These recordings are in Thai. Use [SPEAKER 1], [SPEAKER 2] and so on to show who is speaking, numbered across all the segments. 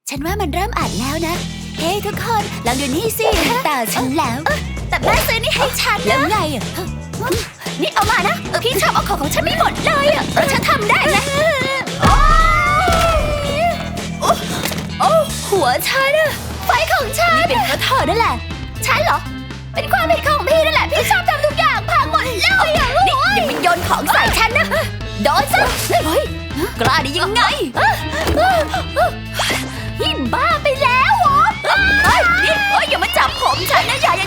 [SPEAKER 1] ฉันว่ามันเริ่มอัดแล้วนะเฮ้ทุกคนลองดูนี่สิตาฉันแล้วแต่แม่ซื้อนี่ให้ฉันแล้วไงอ่ะนี่เอามานะพี่ชอบเอาของฉันไม่หมดเลยอ่ะเพราะฉันทำได้นะโอ้หัวฉันอะไฟของฉันนี่เป็นเพราะเธอนั่นแหละฉันเหรอเป็นความผิดของพี่นั่นแหละพี่ชอบทำทุกอย่างพังหมดเลยอ่ะนี่อย่าไปโยนของใส่ฉันนะโดนซะเฮ้ยกล้าได้ยังไงนี่บ้าไปแล้วเหรอนี่อย่ามาจับผมฉันนะอย่า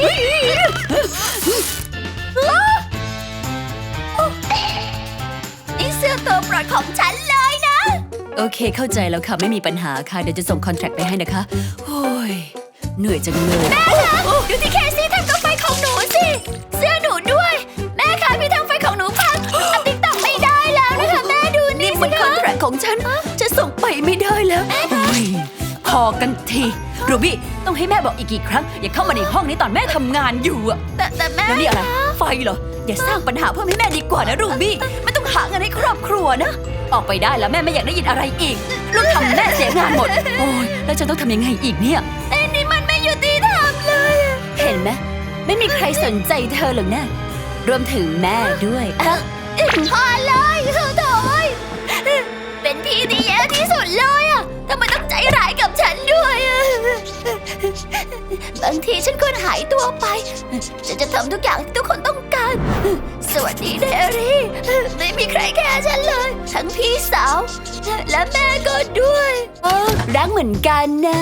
[SPEAKER 1] นี่เสื้อตัวโปรดของฉันเลยนะโอเคเข้าใจแล้วค่ะไม่มีปัญหาค่ะเดี๋ยวจะส่งคอนแทคไปให้นะคะโอ้ยเหนื่อยจังเลยแม่คะดูที่เคซี่ทำกับไฟของหนูสิเสื้อหนูด้วยแม่คะพี่ทำไฟของหนูพังติ๊กต็อกไม่ได้แล้วนะคะแม่ดูนี่มันคอนแทคของฉันจะส่งไปไม่ได้แล้วพอกันทีรูบี้ต้องให้แม่บอกอีกกี่ครั้งอย่าเข้ามาในห้องนี้ตอนแม่ทำงานอยู่อะแต่แม่แล้วนี่อะไรไฟเหรออย่าสร้างปัญหาเพิ่มให้แม่ดีกว่านะรูบี้ไม่ต้องหาเงินให้ครอบครัวนะออกไปได้แล้วแม่ไม่อยากได้ยินอะไรอีกลูกทำแม่เสียงานหมดโอ้ยแล้วฉันต้องทำยังไงอีกเนี่ยนี่มันไม่ยุติธรรมเลยเห็นไหมไม่มีใครสนใจเธอหรอกนะรวมถึงแม่ด้วยพอเลยโถ่เป็นพี่ที่แย่ที่สุดเลยอะทำไมต้องใจร้ายกับฉันด้วยอะบางทีฉันควรหายตัวไปฉันจะทำทุกอย่างที่ทุกคนต้องการสวัสดีเดรี่ไม่มีใครแค่ฉันเลยทั้งพี่สาวและแม่ก็ด้วยรักเหมือนกันนะ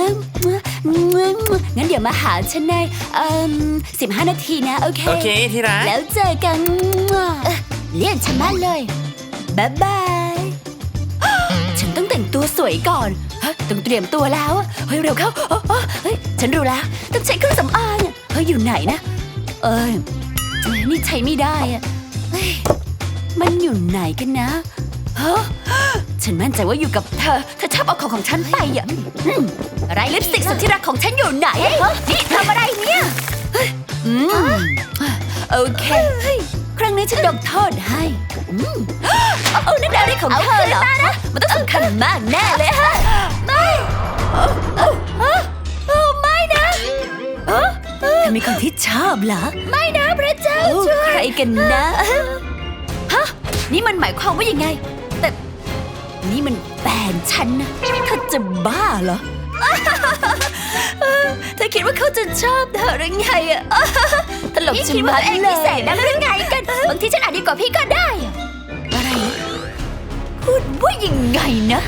[SPEAKER 1] งั้นเดี๋ยวมาหาฉันใน15 นาทีนะโอเค
[SPEAKER 2] ที่รัก
[SPEAKER 1] แล้วเจอกันเลี่ยนฉันมากเลยบ๊ายบายฉันต้องแต่งตัวสวยก่อนต้องเตรียมตัวแล้วเฮ้ยเร็วเข้าเฮ้ยฉันรู้แล้วต้องใช้เครื่องสำอางเฮ้ยอยู่ไหนนะนี่ใช้ไม่ได้อะเฮ้ยมันอยู่ไหนกันนะฉันมั่นใจว่าอยู่กับเธอชอบเอาของฉันไปอ่ะอะไรลิปสติกสุดที่รักของฉันอยู่ไหนนี่ทำอะไรเนี่ยโอเคครั้งนี้ฉันยกโทษให้นั่นอะไรของเธอเหรอมันต้องสำคัญมากแน่เลยฮะไม่ไม่นะเธอมีคนที่ชอบเหรอไม่นะพระเจ้าช่วยใครกันนะนี่มันหมายความว่ายังไงแต่นี่มันแฟนฉันนะเธอจะบ้าเหรอเธอคิดว่าเขาจะชอบเธอหรือไงอะตลกชิบหายเลยพิเศษนะหรือไงกันบางทีฉันอาจดีกว่าพี่ก็ได้อะไรพูดว่ายังไงนะ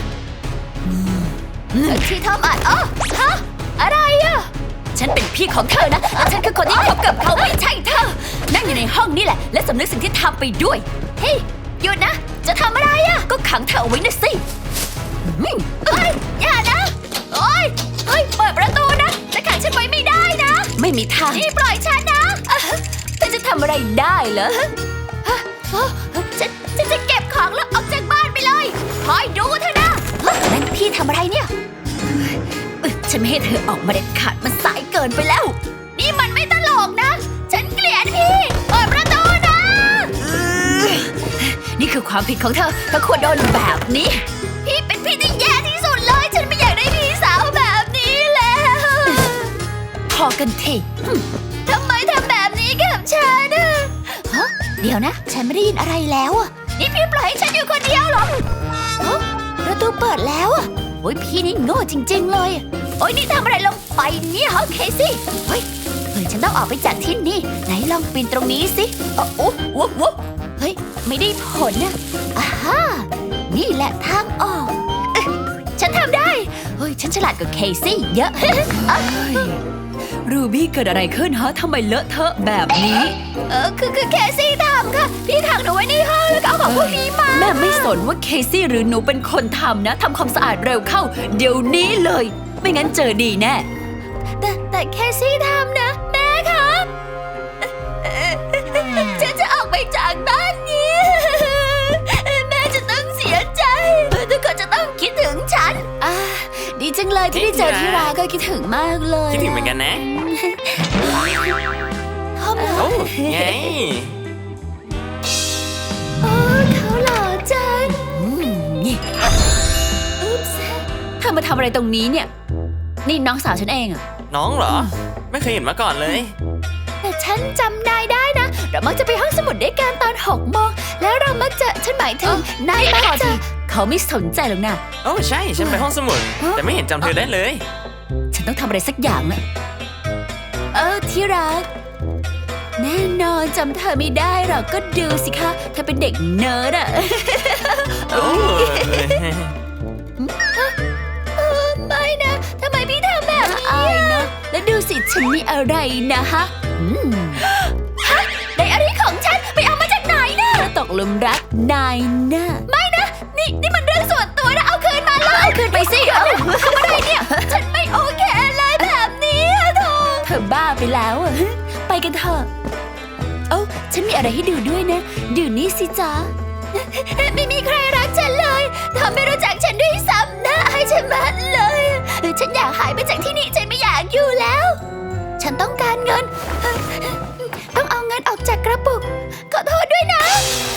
[SPEAKER 1] ที่ทำอะไรอะฉันเป็นพี่ของเธอนะและฉันคือคนที่คบกับเขาไม่ใช่เธอนั่งอยู่ในห้องนี่แหละและสำนึกสิ่งที่ทำไปด้วยเฮ้ยหยุดนะจะทำอะไรอะก็ขังเธอเอาไว้นะสิอย่านะเฮ้ยเปิดประตูนะจะขังฉันไว้ไม่ได้นะไม่มีทางนี่ปล่อยฉันนะเธอจะทำอะไรได้เหรอฉันจะเก็บของแล้วออกจากบ้านไปเลยคอยดูเธอนะนั่นพี่ทำอะไรเนี่ยฉันไม่ให้เธอออกมาเด็ดขาดมันสายเกินไปแล้วนี่มันไม่ตลกนะฉันเกลียดพี่เปิดประตูนะนี่คือความผิดของเธอควรโดนแบบนี้พี่เป็นพี่ที่แย่ที่สุดเลยฉันไม่อยากได้พี่สาวแบบนี้แล้วพอกันทีทำไมทำแบบนี้กับฉันเดี๋ยวนะฉันไม่ได้ยินอะไรแล้วนี่พี่ปล่อยให้ฉันอยู่คนเดียวเหรอประตูเปิดแล้วโอ้ยพี่นี่โง่จริงๆเลยโอ้ยนี่ทำอะไรลงไปเนี่ยฮะเคซี่เฮ้ยฉันต้องออกไปจากที่นี่ไหนลองปีนตรงนี้สิโอ้เฮ้ยไม่ได้ผลนะนี่แหละทางออกฉันทำได้เฮ้ยฉันฉลาดกว่าเคซี่เยอะรูบี้เกิดอะไรขึ้นฮะทำไมเลอะเทอะแบบนี้คือเคซี่ทำค่ะพี่ขังหนูไว้ในห้องแล้วก็เอาของพวกนี้มาแม่ไม่สนว่าเคซี่หรือหนูเป็นคนทำนะทำความสะอาดเร็วเข้าเดี๋ยวนี้เลยไม่งั้นเจอดีแน่แต่เคซี่ทำนะแม่ครับฉันจะออกไปจากบ้านนี้แม่จะต้องเสียใจทุกคนจะต้องคิดถึงฉันดีจังเลยที่ได้เจอที่รักก็คิดถึงมากเลย
[SPEAKER 2] คิดถึงเหมือนกันนะโอ้ไง
[SPEAKER 1] เขาหล่อจังนี่อุ๊บส์ทอมาทำอะไรตรงนี้เนี่ย นี่น้องสาวฉันเองอะ
[SPEAKER 2] น้องเหรอ ไม่เคยเห็นมาก่อนเลย
[SPEAKER 3] แต่ฉันจำนายได้นะ เรามักจะไปห้องสมุดด้วยกันตอน6 โมง แล้วเรามักจะฉันหมายถึงนายมักจะ
[SPEAKER 1] เขาไม่สนใจหรอกนะ
[SPEAKER 2] โอ้ใช่ ฉันไปห้องสมุด แต่ไม่เห็นจำเธอได้เลย
[SPEAKER 1] ฉันต้องทำอะไรสักอย่างละที่รัก แน่นอนจำเธอไม่ได้หรอกก็ดูสิคะเธอเป็นเด็กเนิร์ดอะ
[SPEAKER 2] โอ้
[SPEAKER 3] ไม่นะ ทำไมพี่ทำแบบนี้
[SPEAKER 1] อายนะแล้วดูสิฉันมีอะไรนะฮะ
[SPEAKER 3] ไดอารี่ของฉันไปเอามาจากไหนนะ
[SPEAKER 1] ตกหลุมรักนายนะ
[SPEAKER 3] ไม่นะ นี่มันเรื่องส่วนตัวนะ เอาคืนมาเลย
[SPEAKER 1] เอาคืนไปสิเอา
[SPEAKER 3] ทำอะไรเนี่ย ฉันไม่โอเคเลยแบบนี้อะโธ่
[SPEAKER 1] เธอบ้าไปแล้วอะไปกันเถอะเอ้าฉันมีอะไรให้ดูด้วยนะดูนี่สิจ๊ะ
[SPEAKER 3] ไม่มีใครรักฉันเลยเธอไม่รู้จักฉันด้วยซ้ำนะให้ฉันมาเลยฉันอยากหายไปจากที่นี่ฉันไม่อยากอยู่แล้ว ฉันต้องการเงิน ต้องเอาเงินออกจากกระปุกขอโทษด้วยนะ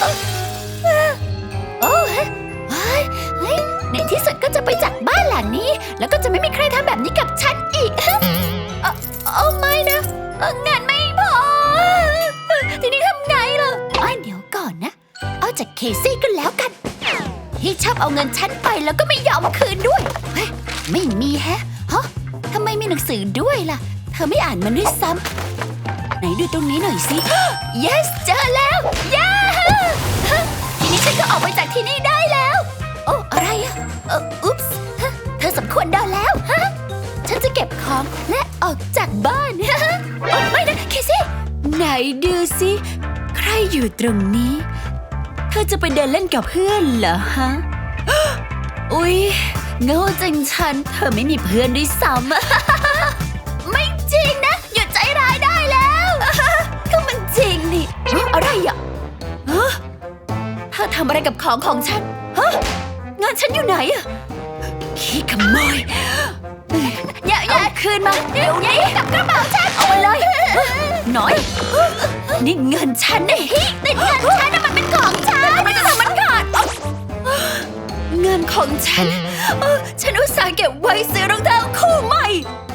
[SPEAKER 3] โอ้เฮ้ยในที่สุดก็จะไปจากบ้านหลังนี้ แล้วก็จะไม่มีใครทำแบบนี้กับฉันอีกโอ้ไม่นะเงินไม่พอทีนี้ทำไงล่ะเดี๋ยวก่อนนะเอาจากเคซี่ก็แล้วกันที่ชอบเอาเงินฉันไปแล้วก็ไม่ยอมคืนด้วยเฮ้ยไม่มีฮะทำไมมีหนังสือด้วยล่ะเธอไม่อ่านมันด้วยซ้ำไหนดูตรงนี้หน่อยสิ yes เจอแล้วย้าทีนี้ฉันก็ออกไปจากที่นี่ได้แล้วโอ้อะไรอะอุ๊ปส์เธอสมควรโดนแล้วฉันจะเก็บของและออกจากบ้านโอ้ไม่นะเคซี่
[SPEAKER 1] ไหนดูสิใครอยู่ตรงนี้เธอจะไปเดินเล่นกับเพื่อนเหรอฮะ อุ๊ยโง่จังฉันเธอไม่มีเพื่อนด้วยซ้ำ
[SPEAKER 3] ไม่จริงนะหยุดใจร้ายได้แล้ว
[SPEAKER 1] ก็มันจริงนี่อะไรอ่ะเธอทำอะไรกับของของฉันฮะเงินฉันอยู่ไหนอ่ะขี้ขโมย
[SPEAKER 3] อย่า
[SPEAKER 1] เอาคืนมาเดี๋ยวนี้
[SPEAKER 3] กับกระเป๋าฉัน
[SPEAKER 1] เอามาเลยหน่อยนี่เงินฉันนี่
[SPEAKER 3] ติดเงินฉันนะมันเป็นของฉัน
[SPEAKER 1] ทำไมจะทำมันขาดเงินของฉันฉันอุตส่าห์เก็บไว้ซื้อรองเท้าคู่ใหม่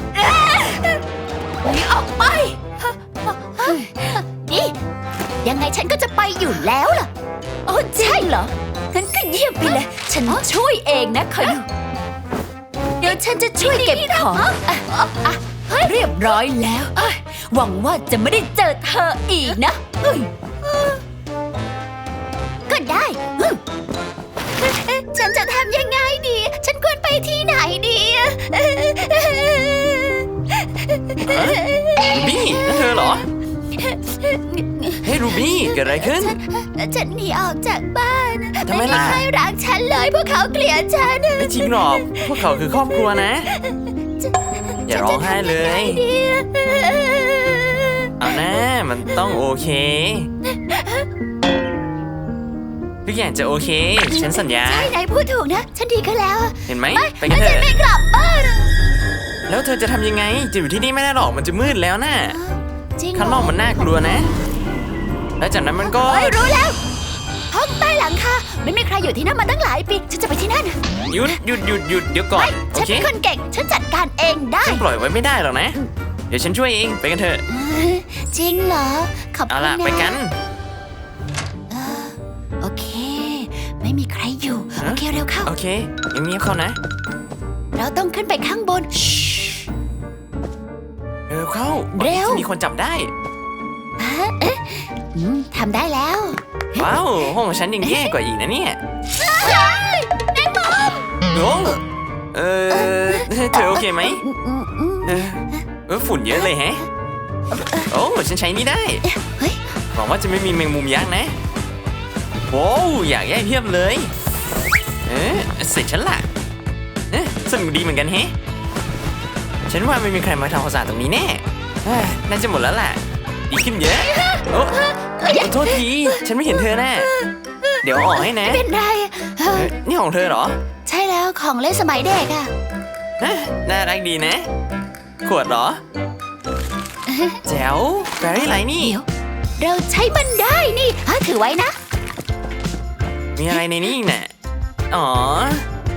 [SPEAKER 1] หนีออกไป
[SPEAKER 3] นี่ยังไงฉันก็จะไปอยู่แล้วล่ะ
[SPEAKER 1] โอ้ใช่เหรองั้นก็เยี่ยมไปเลย ฉันช่วยเองนะคอยดูเดี๋ยวฉันจะช่วยเก็บของเรียบร้อยแล้วหวังว่าจะไม่ได้เจอเธออีกนะ
[SPEAKER 3] ก็ได้ฉันจะทำยังไงดี ฉันควรไปที่ไหนดี
[SPEAKER 2] รูบี้นั่นเธอเหรอ เฮ้ยรูบี้เกิดอะไรขึ้น
[SPEAKER 3] ฉันหนีออกจากบ้าน
[SPEAKER 2] ทำไมล่ะ
[SPEAKER 3] ใครรักฉันเลยพวกเขาเกลียดฉัน
[SPEAKER 2] ไม่จริงหรอก พวกเขาคือครอบครัวนะ อย่าร้องไห้เลย
[SPEAKER 3] ดี
[SPEAKER 2] เอานะมันต้องโอเค ทุกอย่างจะโอเค ฉันสัญญา
[SPEAKER 3] ใช่นายพูดถูกนะ ฉันดีขึ้นแล้ว
[SPEAKER 2] เห็นไหมไปกันเถ
[SPEAKER 3] ฉัน
[SPEAKER 2] อะ
[SPEAKER 3] ไม่กลับบ้าน
[SPEAKER 2] แล้วเธอจะทำยังไง จะอยู่ที่นี่ไม่ได้หรอก มันจะมืดแล้วนะ
[SPEAKER 3] จริงเหร
[SPEAKER 2] ข้างนอกมันน่ากลัวนะ แล้วจากนั้นมันก็
[SPEAKER 3] รู้แล้วห้องใต้หลังคาไม่มีใครอยู่ที่นั่นมาตั้งหลายปี ฉันจะไปที่นั่น
[SPEAKER 2] หยุดเดี๋ยวก่อน โอ
[SPEAKER 3] ฉัน
[SPEAKER 2] เค
[SPEAKER 3] เป็นคนเก่ง ฉันจัดการเองได้
[SPEAKER 2] ฉันปล่อยไว้ไม่ได้หรอกนะ เดี๋ยวฉันช่วยเอง ไปกันเถอะ
[SPEAKER 3] จริงเหรอ ขอบ
[SPEAKER 2] เอา
[SPEAKER 3] คุณ
[SPEAKER 2] ล่ะ
[SPEAKER 3] นะ
[SPEAKER 2] ไปกัน
[SPEAKER 3] โอเค ไม่มีใครอยู่ โอเคเร็วเข้า
[SPEAKER 2] โอเคเงียบๆเข้านะ
[SPEAKER 3] เราต้องขึ้นไปข้างบน
[SPEAKER 2] เร็วเข้า
[SPEAKER 3] เร็ว
[SPEAKER 2] จะมีคนจับได้
[SPEAKER 3] ทำได้แล้ว
[SPEAKER 2] ว้าว ห้องของฉันยังแย่กว่าอีกนะเนี่ย
[SPEAKER 3] แมงมุม
[SPEAKER 2] โอ้เธอโอเคไหมฝุ่นเยอะเลยแฮะ โอ้ฉันใช้นี่ได้
[SPEAKER 3] เฮ้ย
[SPEAKER 2] หวังว่าจะไม่มีแมงมุมยักษ์นะโว้วอยากแย่เพียบเลยเสร็จฉันละสนุกดีเหมือนกันแฮะ ฉันว่าไม่มีใครมาทำความสะอาดตรงนี้แน่น่าจะหมดแล้วล่ะดีขึ้นเยอะโอ้โทษที ฉันไม่เห็นเธอแน่เดี๋ยวออกให้นะ
[SPEAKER 3] เป็นไร
[SPEAKER 2] นี่ของเธอเหรอ
[SPEAKER 3] ใช่แล้วของเล่นสมัยเด็กอะ
[SPEAKER 2] น่ารักดีนะ ขวดเหรอ แจ๋วแบรี่ไรนี่
[SPEAKER 3] เดี๋ยวเราใช้มันได้นี่ถือไว้นะ
[SPEAKER 2] มีอะไรในนี้อีกน่ะอ๋อ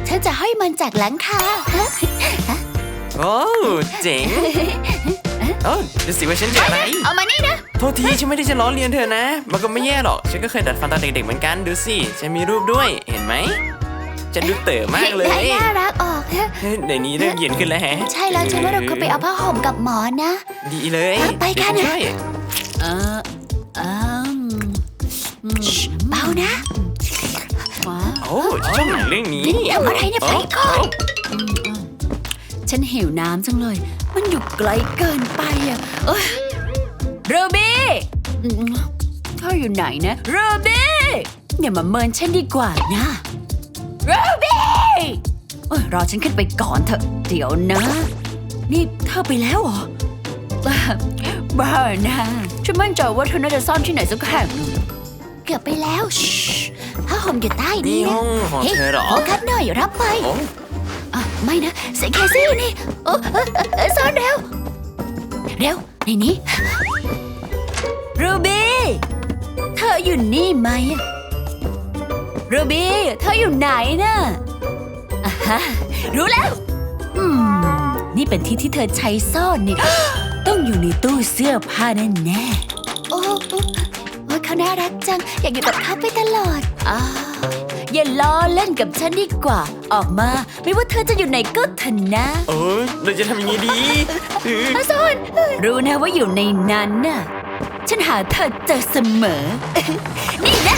[SPEAKER 3] ฉันจะให้มันจากหลังคา
[SPEAKER 2] โอ้เจ๋งโอ้ดูสิว่าฉันเจออะไร
[SPEAKER 3] เอามานี่นะ
[SPEAKER 2] โทษทีฉันไม่ได้จะล้อเลียนเธอนะ มันก็ไม่แย่หรอก ฉันก็เคยดัดฟันตอนเด็กๆเหมือนกัน ดูสิ ฉันมีรูปด้วย เห็นไหมฉันดูเต๋อมากเลย
[SPEAKER 3] ได้น่ารักออก
[SPEAKER 2] เดี๋ยวนี้เริ่มเย็นขึ้นแล้วแฮะ
[SPEAKER 3] ใช่แล้วฉันว่าเราควรไปเอาผ้าห่มกับหมอนนะ
[SPEAKER 2] ดีเลย
[SPEAKER 3] ไปกัน
[SPEAKER 2] เดี๋ยวฉัช่วย
[SPEAKER 1] เอออืม
[SPEAKER 3] เบานะ
[SPEAKER 1] ว้า
[SPEAKER 2] โอ้ชอบหนังเรื่องนี้
[SPEAKER 3] ทำอะไรเนี่ยไปก่อน
[SPEAKER 1] ฉันหิวน้ำจังเลย มันอยู่ไกลเกินไปอ่ะโรบี้เธออยู่ไหนนะโรบี้อย่ามาเมินฉันดีกว่านะโรบี้รอฉันขึ้นไปก่อนเถอะเดี๋ยวนะ นี่เธอไปแล้วเหรอบ้านะฉันมั่นใจว่าเธอน่าจะซ่อนที่ไหนสักแห่งหนึ่ง
[SPEAKER 3] เกือบไปแล้วผ้าห่มอยู่ใต้
[SPEAKER 2] นี่
[SPEAKER 3] นี้นะ
[SPEAKER 2] ห้องของเธอเหรอ
[SPEAKER 3] โฟกัสหน่อยรับไป
[SPEAKER 2] โอ้
[SPEAKER 3] ไม่นะเสียงแคซี่นี่ซ่อนเร็ว เร็วในนี้
[SPEAKER 1] รูบี้เธออยู่นี่ไหมรูบี้เธออยู่ไหนน่ะอ่าฮะรู้แล้วนี่เป็นที่ที่เธอใช้ซ่อนนี่ ต้องอยู่ในตู้เสื้อผ้าแน่
[SPEAKER 3] โอ้เขาน่ารักจัง อยากอยู่กับเขาไปตลอด
[SPEAKER 1] อย่าล้อเล่นกับฉันดีกว่า ออกมาไม่ว่าเธอจะอยู่ไหนก็เถอะนะ
[SPEAKER 2] เออเราจะทำยังไงดี
[SPEAKER 3] ซ่อน
[SPEAKER 1] รู้นะว่าอยู่ในนั้นน่ะฉันหาเธอเจอเสมอ นี่นะ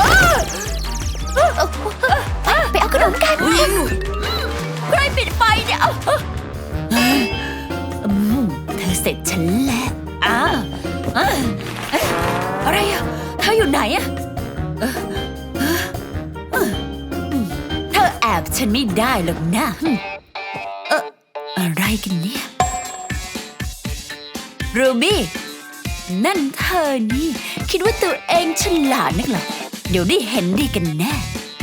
[SPEAKER 3] ไปเอาขนมกัน
[SPEAKER 1] ใครปิดไฟเนี่ยเธอเสร็จฉันแล้วอะไรอะเธออยู่ไหนอะเธอแอบฉันไม่ได้หรอกนะอะไรกันเนี่ยรูบี้นั่นเธอนี่คิดว่าตัวเองฉลาดนักเหรอเดี๋ยวได้เห็นดีกันแน่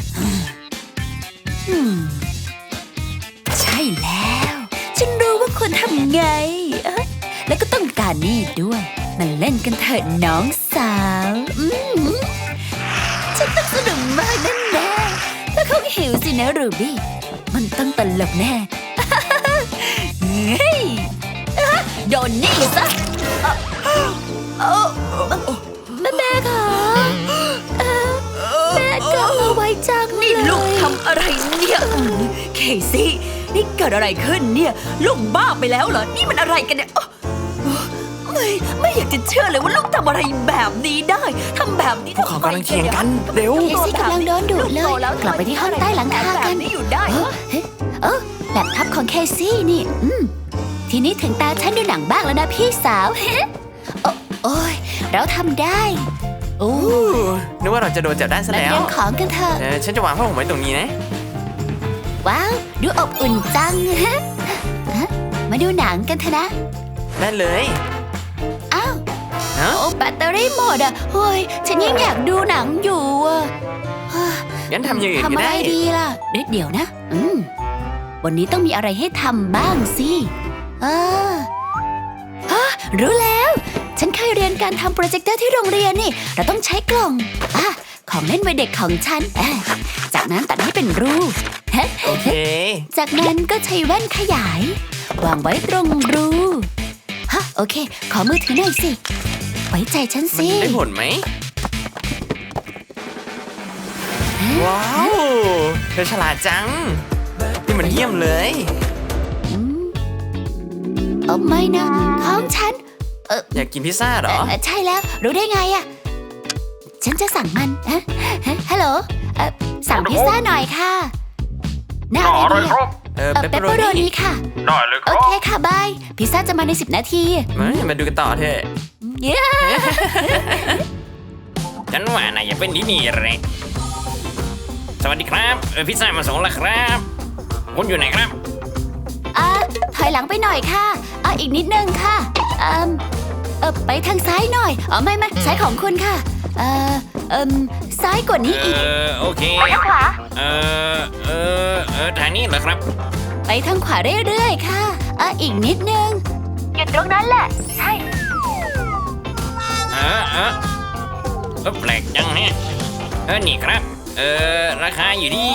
[SPEAKER 1] ใช่แล้วฉันรู้ว่าควรทำไงแล้วก็ต้องการนี่ด้วยมาเล่นกันเถอะน้องสาวฉันต้องสนุกมากแน่ๆแล้วคงหิวสินะรูบี้มันต้องตลกแน่เฮ้ยโดนนี่ซะ
[SPEAKER 3] แม่ค่ะแม่ก็เอาไว้จังเลย
[SPEAKER 1] นี่ลูกทำอะไรเนี่ยเคซี่นี่เกิดอะไรขึ้นเนี่ยลูกบ้าไปแล้วเหรอนี่มันอะไรกันเนี่ยไม่อยากจะเชื่อเลยว่าลูกทำอะไรแบบนี้ได้ทำแบบนี้
[SPEAKER 2] พวกเขากำลังเถียงกันเร็ว
[SPEAKER 3] เคซี่กำลังโดนดุเลย กลับไปที่ห้องใต้หลังคากัน
[SPEAKER 1] นี่อยู่ได้
[SPEAKER 3] แล็ปท็อปของเคซี่นี่ทีนี้ถึงตาฉันดูหนังบ้างแล้วนะพี่สาวโอ้ยเราทำได้
[SPEAKER 2] นึกว่าเราจะโดนจับได้ซะ
[SPEAKER 3] มา
[SPEAKER 2] แล้
[SPEAKER 3] เต
[SPEAKER 2] ว
[SPEAKER 3] รียมของกันเถอะ
[SPEAKER 2] ฉันจะวางผ้าห่มไว้ตรงนี้นะ
[SPEAKER 3] ว้าวดูอบอุ่นจังมาดูหนังกันเถอะนะ
[SPEAKER 2] ได้เลย
[SPEAKER 3] อ้าว
[SPEAKER 2] ฮะ
[SPEAKER 3] โอ้แบตเตอรี่หมดอ่ะเฮ้ยฉันยังอยากดูหนังอยู่อ่ะ
[SPEAKER 2] งั้นทำอย่างอื่น
[SPEAKER 3] ทำ
[SPEAKER 2] ก็
[SPEAKER 3] อะไร
[SPEAKER 2] ได้
[SPEAKER 3] ดีล่ะเดี๋ยวนะวันนี้ต้องมีอะไรให้ทำบ้างสิรู้แล้ว ฉันเคยเรียนการทำโปรเจคเตอร์ที่โรงเรียนนี่เราต้องใช้กล่องของเล่นวัยเด็กของฉันจากนั้นตัดให้เป็นรูป
[SPEAKER 2] โอเค
[SPEAKER 3] จากนั้นก็ใช้แว่นขยาย วางไว้ตรงรูโอเค ขอมือถือหน่อยสิ ไว้ใจฉัน
[SPEAKER 2] มัน
[SPEAKER 3] สิ
[SPEAKER 2] ได้ผลไหม ว้าว เธอฉลาดจัง นี่มันเยี่ยมเลย
[SPEAKER 3] ไม่นะของฉัน
[SPEAKER 2] อยากกินพิซซ่าเหรอ
[SPEAKER 3] ใช่แล้ว รู้ได้ไงอะฉันจะสั่งมันฮัลโหลสั่งพิซซ่าหน่อยค่ะหน้าอะไรดีอะ
[SPEAKER 2] เปป
[SPEAKER 3] เปป
[SPEAKER 2] เป
[SPEAKER 3] เป
[SPEAKER 2] อ
[SPEAKER 3] อ
[SPEAKER 2] โร
[SPEAKER 3] โร
[SPEAKER 2] นี่
[SPEAKER 3] นีค่ะ
[SPEAKER 4] ได้เลยค
[SPEAKER 3] โอ
[SPEAKER 4] รับ
[SPEAKER 3] เคค่ะบาย พิซซ่าจะมาใน10 นาที
[SPEAKER 2] มาดูกันต่อเถอะ
[SPEAKER 3] เย้
[SPEAKER 4] ฉันว่านายอย่าเป็นที่นี่เลยสวัสดีครับพิซซ่ามาส่งแล้วครับคุณอยู่ไหนครับ
[SPEAKER 3] ถอยหลังไปหน่อยค่ะอีกนิดนึงค่ะไปทางซ้ายหน่อยไม่ซ้ายของคุณค่ะซ้ายกว่านี้อีก
[SPEAKER 4] โอเค
[SPEAKER 3] ไปทางขวา
[SPEAKER 4] ทางนี้เหรอครับ
[SPEAKER 3] ไปทางขวาเรื่อยๆค่ะอีกนิดนึงหยุดตรงนั้นแหละใช่
[SPEAKER 4] แปลกจังฮะนี่ครับราคาอยู่ที่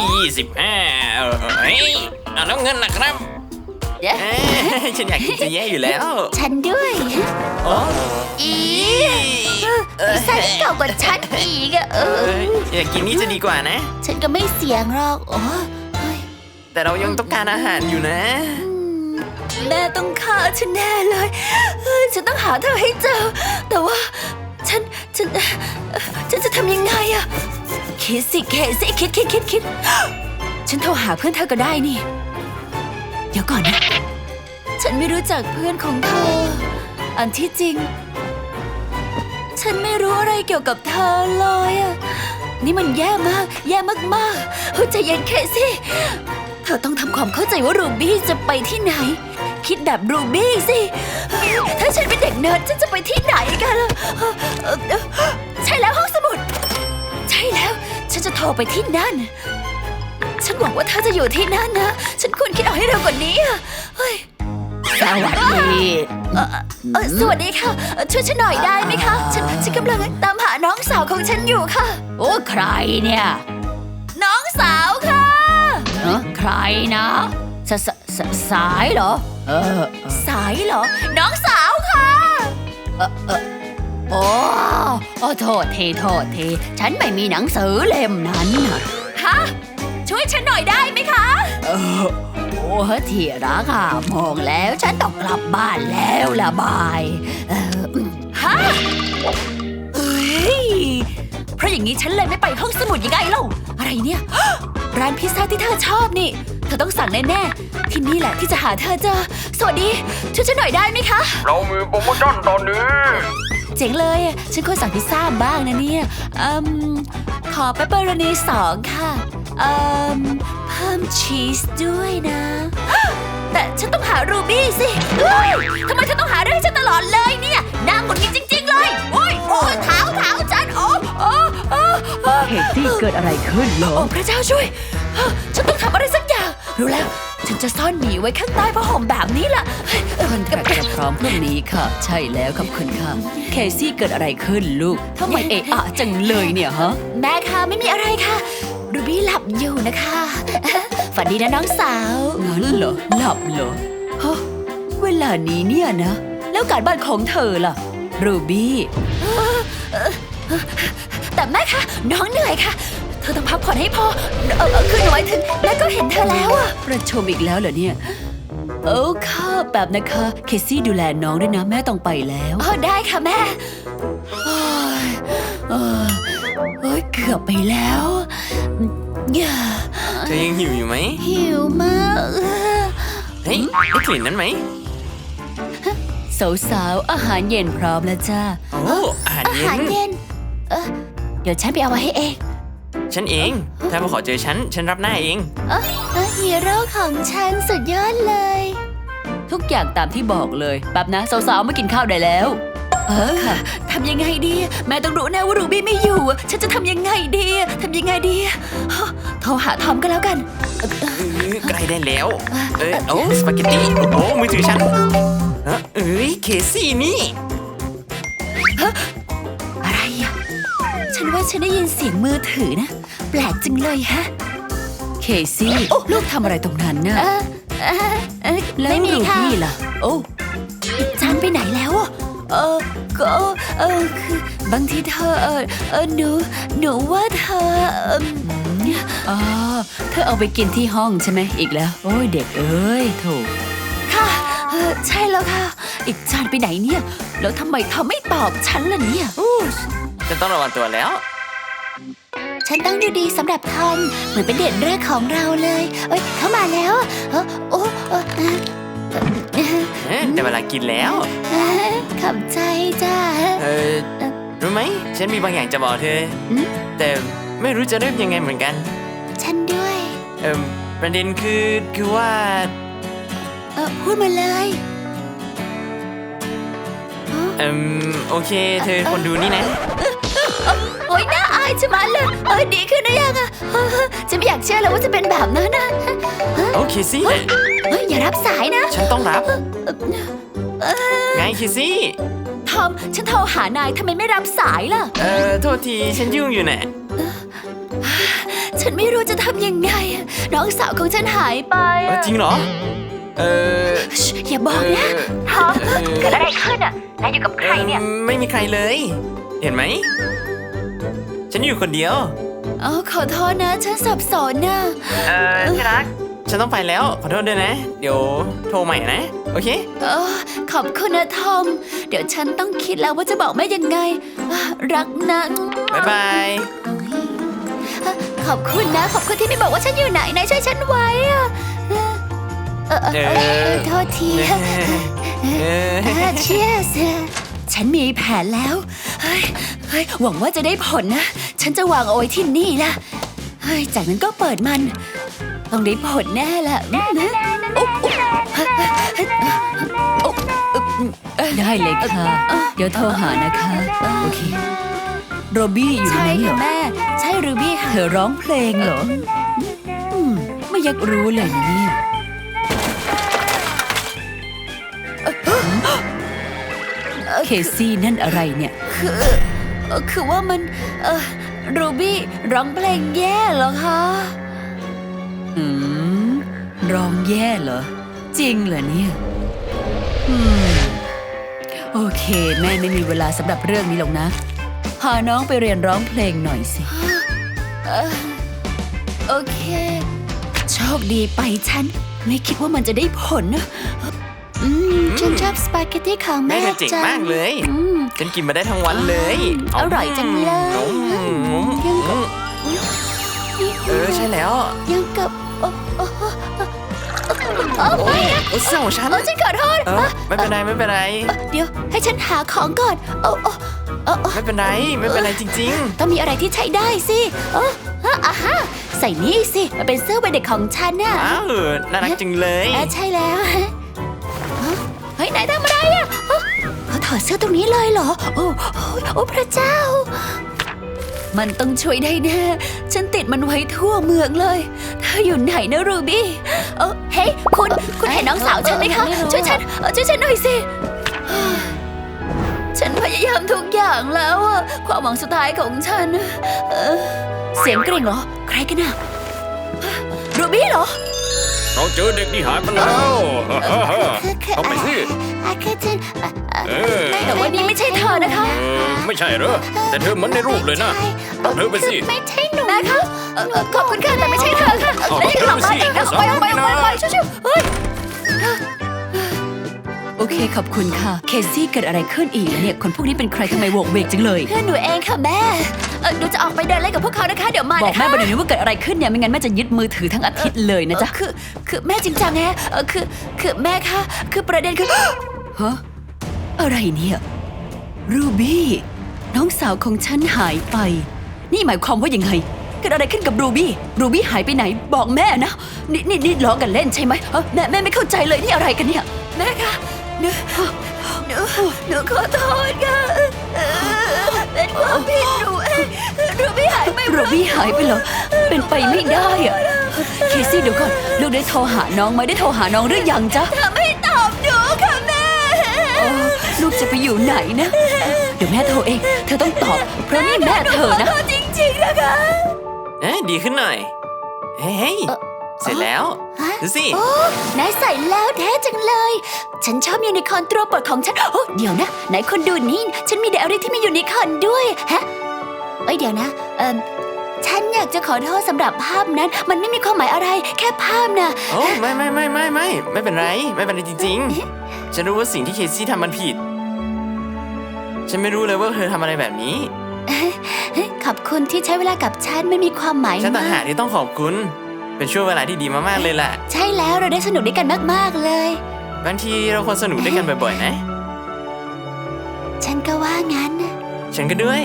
[SPEAKER 4] 25เฮ้ยแล้วเงินล่ะครับ
[SPEAKER 2] ฉันอยากกินจะแย่อยู่แล้ว
[SPEAKER 3] ฉันด้วย
[SPEAKER 2] โอ้
[SPEAKER 3] อีพิซซ่าที่เก่ากว่าฉันอีกอะ
[SPEAKER 2] อยากกินนี่จะดีกว่านะ
[SPEAKER 3] ฉันก็ไม่เสี่ยงหรอกโอ้ย
[SPEAKER 2] แต่เรายังต้องการอาหารอยู่นะ
[SPEAKER 1] แม่ต้องฆ่าฉันแน่เลยฉันต้องหาเธอให้เจอ แต่ว่าฉันจะทำยังไงอะคิดสิคิดฉันโทรหาเพื่อนเธอก็ได้นี่ เดี๋ยวก่อนนะ ฉันไม่รู้จักเพื่อนของเธอ อันที่จริง ฉันไม่รู้อะไรเกี่ยวกับเธอเลยอะนี่มันแย่มากเฮ้ยใจเย็นเคซี่เธอต้องทำความเข้าใจว่ารูบี้จะไปที่ไหน คิดแบบรูบี้สิถ้าฉันเป็นเด็กเนิร์ดฉันจะไปที่ไหนกันล่ะใช่แล้วห้องสมุด ใช่แล้ว ฉันจะโทรไปที่นั่น ฉันหวังว่าเธอจะอยู่ที่นั่นนะ ฉันควรคิดเอาให้เร็วกว่านี้อะเฮ้ย
[SPEAKER 3] สวัสดี
[SPEAKER 1] สวัสดีค่ะ ช่วยฉันหน่อยได้ไหมคะ ฉันกำลังตามหาน้องสาวของฉันอยู่ค่ะ
[SPEAKER 3] โอ้ใครเนี่ย
[SPEAKER 1] น้องสาวค่ะ
[SPEAKER 3] ใครนะสายเหรอ
[SPEAKER 1] สายเหรอ น้องสาวค่ะ
[SPEAKER 3] โอ้โทษทีฉันไม่มีหนังสือเล่มนั้นน่ะ
[SPEAKER 1] ฮะ ช่วยฉันหน่อยได้ไหมคะ
[SPEAKER 3] โอ้ที่รักอะมองแล้วฉันต้องกลับบ้านแล้วละบาย
[SPEAKER 1] ฮะเฮ้ย เพราะอย่างนี้ฉันเลยไม่ไปห้องสมุดยังไงเล่าอะไรเนี่ย ร้านพิซซ่าที่เธอชอบนี่ เธอต้องสั่งแน่ๆ ที่นี่แหละที่จะหาเธอเจอ สวัสดี ช่วยฉันหน่อยได้ไหมคะ
[SPEAKER 4] เรามีโปรโมชั่นตอนนี้
[SPEAKER 1] เจ๋งเลย ฉันควรสั่งพิซซ่าบ้างนะเนี่ยขอเปปเปอโรนี2ค่ะเพิ่มชีสด้วยนะ แต่ฉันต้องหารูบี้สิทำไมเธอต้องหาเรื่องให้ฉันตลอดเลยเนี่ยนางหงุดหงิดจริงๆเลยโอ้ยเท้าฉัน
[SPEAKER 3] เคซี่เกิดอะไรขึ้นเหรอ
[SPEAKER 1] โอ้พระเจ้าช่วย ฉันต้องทำอะไรสักอย่าง รู้แล้ว ฉันจะซ่อนหมีไว้ข้างใต้ผ้าห่มแบบนี้ล่ะ
[SPEAKER 3] คอนแทคจะพร้อมพรุ่งนี้ค่ะ ใช่แล้วขอบคุณค่ะเคซี่เกิดอะไรขึ้นลูกทำไมจังเลยเนี่ยฮะ
[SPEAKER 1] แม่คะไม่มีอะไรค่ะรูบี้หลับอยู่นะคะฝันดีนะน้องสาว
[SPEAKER 3] งั้นเหรอหลับเหรอฮะเวลานี้เนี่ยนะ แล้วการบ้านของเธอล่ะรูบี้
[SPEAKER 1] แต่แม่คะน้องเหนื่อยค่ะ เธอต้องพักผ่อนให้พอคือหนูหมายถึงแม่ก็เห็นเธอแล้วอะ
[SPEAKER 3] ประชุมอีกแล้วเหรอเนี่ยค่ะแบบนะคะเคซี่ดูแลน้องด้วยนะแม่ต้องไปแล้ว
[SPEAKER 1] ได้ค่ะแม่
[SPEAKER 3] เกือบไปแล้ว
[SPEAKER 2] เธอยังหิวอยู่ไหม
[SPEAKER 1] หิวมาก
[SPEAKER 2] เฮ้ยได้กลิ่นนั้นไหม
[SPEAKER 3] สาวๆอาหารเย็นพร้อมแล้วจ้า
[SPEAKER 2] โอ้อาหารเย็น
[SPEAKER 1] เดี๋ยวฉันไปเอาไว้ให้เอง
[SPEAKER 2] ฉันเองถ้ามาขอเจอฉันรับหน้าเอง
[SPEAKER 1] ฮีโร่ของฉันสุดยอดเลย
[SPEAKER 3] ทุกอย่างตามที่บอกเลยแบบนะสาวๆมากินข้าวได้แล้ว
[SPEAKER 1] ค่ะทำยังไงดีแม่ต้องรู้แน่ว่ารูบี้ไม่อยู่ฉันจะทำยังไงดีโทรหาทอมก็แล้วกัน
[SPEAKER 2] ใกล้ได้แล้วสปาเกตตี้โอ้มือถือฉันเคซี่นี่
[SPEAKER 1] อะไรอ่ะฉันว่าฉันได้ยินเสียงมือถือนะแปลกจังเลยฮะ
[SPEAKER 3] เคซี่ลูกทำอะไรตรงนั้นน่ะแล้วรูบี้ล่ะ
[SPEAKER 1] จันไปไหนแล้วอ่ะก็คือบางทีเธอหนูว่าเธอ
[SPEAKER 3] เธอเอาไปกินที่ห้องใช่ไหมอีกแล้วโอ้ยเด็กเอ้ยโถ
[SPEAKER 1] ค่ะใช่แล้วค่ะอีกจานไปไหนเนี่ยแล้วทำไมเธอไม่ตอบฉันล่ะเนี่ย
[SPEAKER 2] ฉันต้องระวังตัวแล้ว
[SPEAKER 1] ฉันต้องดูดีสำหรับทอมเหมือนเป็นเดทแรกของเราเลยเข้ามาแล้ว
[SPEAKER 2] แต่เวลากินแล้ว
[SPEAKER 1] ขอบใจจ้า
[SPEAKER 2] รู้ไหมฉันมีบางอย่างจะบอกเธอแต่ไม่รู้จะเริ่มยังไงเหมือนกัน
[SPEAKER 1] ฉันด้วย
[SPEAKER 2] ประเด็นคือว่า
[SPEAKER 1] พูดมาเลย
[SPEAKER 2] โอเคเธอคนดูนี่นะ
[SPEAKER 1] โอ๊ยน่าอายจะมาเลยดีขึ้นหรือยังอะฉันไม่อยากเชื่อเลยว่าจะเป็นแบบนั้นนะ
[SPEAKER 2] โอเคสิ
[SPEAKER 1] อย่ารับสายนะ
[SPEAKER 2] ฉันต้องรับไงเคซี่
[SPEAKER 1] ทอมฉันโทรหานายทำไมไม่รับสายล่ะ
[SPEAKER 2] โทษทีฉันยุ่งอยู่น่ะ
[SPEAKER 3] ฉันไม่รู้จะทำยังไงอะน้องสาวของฉันหายไปอะ
[SPEAKER 2] จริงเหรอ
[SPEAKER 3] ชิอย่าบอกนะฮะเกิดอะไรขึ้นอ่ะนายอยู่กับใครเนี่ย
[SPEAKER 2] ไม่มีใครเลย เห็นไหม ฉันอยู่คนเดียว
[SPEAKER 3] อ๋อขอโทษนะ ฉันสับสนนะ
[SPEAKER 2] ที่รัก ฉันต้องไปแล้ว ขอโทษด้วยนะ เดี๋ยวโทรใหม่นะ โอเค
[SPEAKER 3] ขอบคุณนะทอม เดี๋ยวฉันต้องคิดแล้วว่าจะบอกแม่ยังไงรักนะ
[SPEAKER 2] บ๊ายบาย
[SPEAKER 3] ขอบคุณนะ ขอบคุณที่ไม่บอกว่าฉันอยู่ไหนนายช่วยฉันไว้อะโทษทีเชียร์สฉันมีแผนแล้วเฮ้ยหวังว่าจะได้ผลนะ ฉันจะวางเอาไว้ที่นี่ละเฮ้ยจากนั้นก็เปิดมัน ต้องได้ผลแน่ละ
[SPEAKER 1] ได้เลยค่ะ เดี๋ยวโทรหานะคะ โอเค โรบี้อยู่ใน
[SPEAKER 3] ใช่
[SPEAKER 1] นั้นเหร
[SPEAKER 3] ค่ะ
[SPEAKER 1] อ
[SPEAKER 3] แม่ ใช่รูบี้ค่ะ
[SPEAKER 1] เธอร้องเพลงเหรอไม่อยากรู้เลยนะเนี่ยเคซี่นั่นอะไรเนี่ย
[SPEAKER 3] คือว่ามันรูบี้ร้องเพลงแย่เหรอคะ
[SPEAKER 1] ร้องแย่เหรอ จริงเหรอเนี่ยโอเค แม่ไม่มีเวลาสำหรับเรื่องนี้หรอกนะ พาน้องไปเรียนร้องเพลงหน่อยสิ
[SPEAKER 3] โอเค โชคดีไปฉัน ไม่คิดว่ามันจะได้ผลนะฉันชอบสปาเกตตี้ของ
[SPEAKER 2] แม่
[SPEAKER 3] แม่
[SPEAKER 2] เธอเจ๋ง
[SPEAKER 3] จัง
[SPEAKER 2] มากเลย ฉันกินมาได้ทั้งวันเลย
[SPEAKER 3] อร่อยจังเลย
[SPEAKER 2] ใช่แล้ว
[SPEAKER 3] ยังกับไม่นะ
[SPEAKER 2] เสื้อของฉัน
[SPEAKER 3] ฉันขอโทษ
[SPEAKER 2] ไม่เป็นไรไม่เป็นไร
[SPEAKER 3] เดี๋ยวให้ฉันหาของก่อน
[SPEAKER 2] ไม่เป็นไรไม่เป็นไรจริง
[SPEAKER 3] ต้องมีอะไรที่ใช้ได้สิใส่นี่สิมันเป็นเสื้อวัยเด็กของฉันน่ะ
[SPEAKER 2] ๆ ว้าว น่ารักจังเลย
[SPEAKER 3] ใช่แล้วเฮ้ยไหนทำอะไรอ่ะเขาถอดเสื้อตรงนี้เลยเหรอโอ้พระเจ้า มันต้องช่วยได้แน่ฉันติดมันไว้ทั่วเมืองเลยเธออยู่ไหนนะรูบี้เฮ้ยคุณเห็นน้องสาวฉันไหมคะช่วยฉันหน่อยสิฉันพยายามทุกอย่างแล้วอะความหวังสุดท้ายของฉันเสียงกริ่งเหรอใครกันน่ะรูบี้เหรอ
[SPEAKER 4] เราเจอเด็กที่หายไปแล้วเอาไปสิ
[SPEAKER 3] แต่ว่านี่ไม่ใช่เธอนะคะ
[SPEAKER 4] ไม่ใช่เหรอ แต่เธอเหมือนในรูปเลยนะเอาเธอไปสิ
[SPEAKER 3] ไม่ใช่หนูนะคะขอบคุณค่ะแต่ไม่ใช่เธอค่ะ
[SPEAKER 4] เอา
[SPEAKER 3] แล้วยังกลับมาอีกนะไปชิวๆเฮ้ย
[SPEAKER 1] โอเคขอบคุณค่ะ เคซี่เกิดอะไรขึ้นอีกแล้วเนี่ยคนพวกนี้เป็นใครทำไมโวกเวกจังเลย
[SPEAKER 3] เพื่อนหนูเองค่ะแม่หนูจะออกไปเดินเล่นกับพวกเขานะคะเดี๋ยวมา
[SPEAKER 1] บอกแม่ไปเดี๋ยวนี้ว่าเกิดอะไรขึ้นเนี่ยไม่งั้นแม่จะยึดมือถือทั้งอาทิตย์เลยนะจ๊ะ
[SPEAKER 3] คือแม่จริงจังไงคือแม่คะคือประเด็นคือ
[SPEAKER 1] ฮะอะไรเนี่ยรูบี้น้องสาวของฉันหายไป นี่หมายความว่ายังไงเกิดอะไรขึ้นกับรูบี้หายไปไหนบอกแม่นะนี่ล้อกันเล่นใช่ไหมแม่ไม่เข้าใจเลยนี่อะไรกันเนี่ย
[SPEAKER 3] แม่คะหนูขอโทษค่ะเป็นความผิดหนูเองรูบี้หายไป
[SPEAKER 1] รูบี้หายไปเหรอเป็นไปไม่ได้อะเคซี่เดี๋ยวก่อนลูกได้โทรหาน้องไหมได้โทรหาน้องหรือยังจ๊ะ
[SPEAKER 3] เธอไม่ตอบหนูค่ะแม่
[SPEAKER 1] ลูกจะไปอยู่ไหนนะเดี๋ยวแม่โทรเองเธอต้องตอบเพราะนี่แม่เธอนะ
[SPEAKER 3] ขอโทษจริงๆนะคะ
[SPEAKER 2] ดีขึ้นหน่อย เฮ้ย เสร็จแล้ว ดูสิ
[SPEAKER 3] นายใส่แล้วแท้จังเลย ฉันชอบยูนิคอร์นตัวโปรดของฉันเดี๋ยวนะไหนคนดูนี่ฉันมีไดอารี่ที่มียูนิคอร์นด้วยฮะเดี๋ยวนะฉันอยากจะขอโทษสำหรับภาพนั้น มันไม่มีความหมายอะไรแค่ภาพนะ
[SPEAKER 2] โอ้ไม่เป็นไรจริงๆ ฉันรู้ว่าสิ่งที่เคซี่ทำมันผิด ฉันไม่รู้เลยว่าเธอทำอะไรแบบนี้
[SPEAKER 3] ขอบคุณที่ใช้เวลากับฉันไม่มีความหมาย
[SPEAKER 2] ฉันต่างหาก
[SPEAKER 3] ก
[SPEAKER 2] ที่ต้องขอบคุณ เป็นช่วงเวลาที่ดีมากๆเลยแหละ
[SPEAKER 3] ใช่แล้วเราได้สนุกด้วยกันมากๆเลย
[SPEAKER 2] บางทีเราควรสนุกด้วยกันบ่อยๆนะ
[SPEAKER 3] ฉันก็ว่างั้นนะ
[SPEAKER 2] ฉันก็ด้วย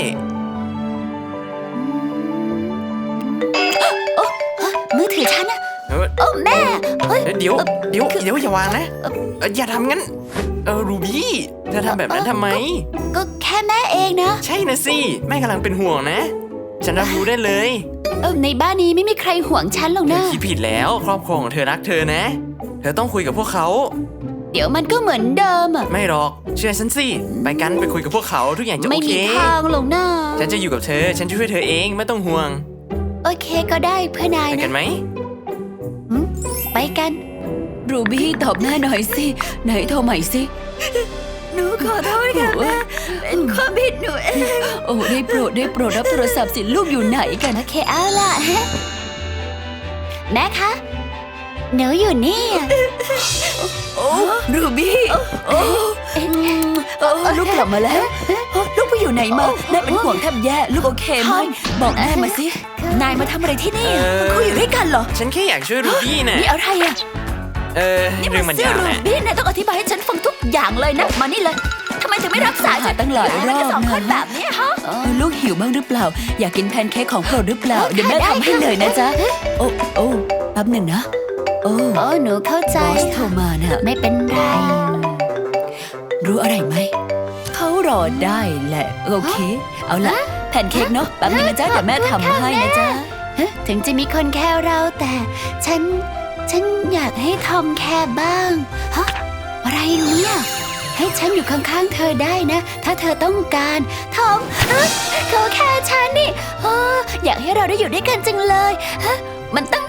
[SPEAKER 3] มือถือฉันนะ
[SPEAKER 2] เออ
[SPEAKER 3] แม่เฮ้ย
[SPEAKER 2] เดี๋ยวอย่าวางนะอย่าทำงั้นรูบี้เธอทำแบบนั้นทำไม
[SPEAKER 3] ก็แค่แม่เองนะ
[SPEAKER 2] ใช่นะสิแม่กำลังเป็นห่วงนะ ฉันรับรู้ได้เลย
[SPEAKER 3] ในบ้านนี้ไม่มีใครห่วงฉันหรอก
[SPEAKER 2] เธอ
[SPEAKER 3] นะ
[SPEAKER 2] คิดผิดแล้วครอบครัวของเธอรักเธอนะ เธอต้องคุยกับพวกเขา
[SPEAKER 3] เดี๋ยวมันก็เหมือนเดิมอะ
[SPEAKER 2] ไม่หรอกเชื่อฉันสิไปกันไปคุยกับพวกเขาทุกอย่างจะโอ
[SPEAKER 3] ไม่
[SPEAKER 2] เค
[SPEAKER 3] มีทางหรอกนะ
[SPEAKER 2] ฉันจะอยู่กับเธอฉันจะช่วยเธอเองไม่ต้องห่วง
[SPEAKER 3] โอเคก็ได้เพื่อนาย
[SPEAKER 2] ไปกั
[SPEAKER 3] นะ
[SPEAKER 2] นไหม
[SPEAKER 3] ไปกัน
[SPEAKER 1] รูบี้ตอบแม่หน่อยสิ ไหนโทรใหม่สิ หนูขอโทษค่ะแม่เป็นความผิดหนูเอง โอ้ได้โปรดรับโทรศัพท์สิลูกอยู่ไหนกัน
[SPEAKER 3] โอเคเอาล่ะ แม่คะหนูอยู่นี่
[SPEAKER 1] โอ้รูบี้โอ้ลูกกลับมาแล้วลูกไปอยู่ไหนมาแม่เป็นห่วงแทบแย่ลูกโอเคไหมบอกแม่มาสิ นายมาทำอะไรที่นี่
[SPEAKER 2] เออ
[SPEAKER 1] คุยอยู่ด้วยกันเหรอ
[SPEAKER 2] ฉันแค่อยากช่วยรูบี้น่ะ
[SPEAKER 1] นี่อะไรอะ
[SPEAKER 2] เรื่องมันยาว
[SPEAKER 3] รู
[SPEAKER 2] นะ
[SPEAKER 3] บี้นายต้องอธิบายให้ฉันฟังทุกอย่างเลยนะมานี่เลยทำไมถึงไม่รักษาฉัน
[SPEAKER 1] ตั้งหลายรอบ
[SPEAKER 3] สองคน
[SPEAKER 1] นะ
[SPEAKER 3] แบบนี้ฮะ
[SPEAKER 1] ลูกหิวบ้างหรือเปล่า อยากกินแพนเค้กของโปรดหรือเปล่า เดี๋ยวแม่ทำให้เลยนะจ๊ะ โอ้แป๊บหนึ่งนะ โอ้
[SPEAKER 3] โอ้หนูเข้าใจ
[SPEAKER 1] บอสโทรมาน่ะ
[SPEAKER 3] ไม่เป็นไร
[SPEAKER 1] รู้อะไรไหม เขารอได้แหละ โอเค เอาละแพนเค้กเนาะแป๊บนึงนะจ๊ะ เดี๋ยวแม่ทำให้นะจ๊ะ
[SPEAKER 3] ถึงจะมีคนแค่เราแต่ฉันอยากให้ทอมแค่บ้างฮะอะไรเนี่ยให้ฉันอยู่ข้างๆเธอได้นะ ถ้าเธอต้องการทอมเขาแค่ฉันนี่อยากให้เราได้อยู่ด้วยกันจังเลยฮะมันตั้ง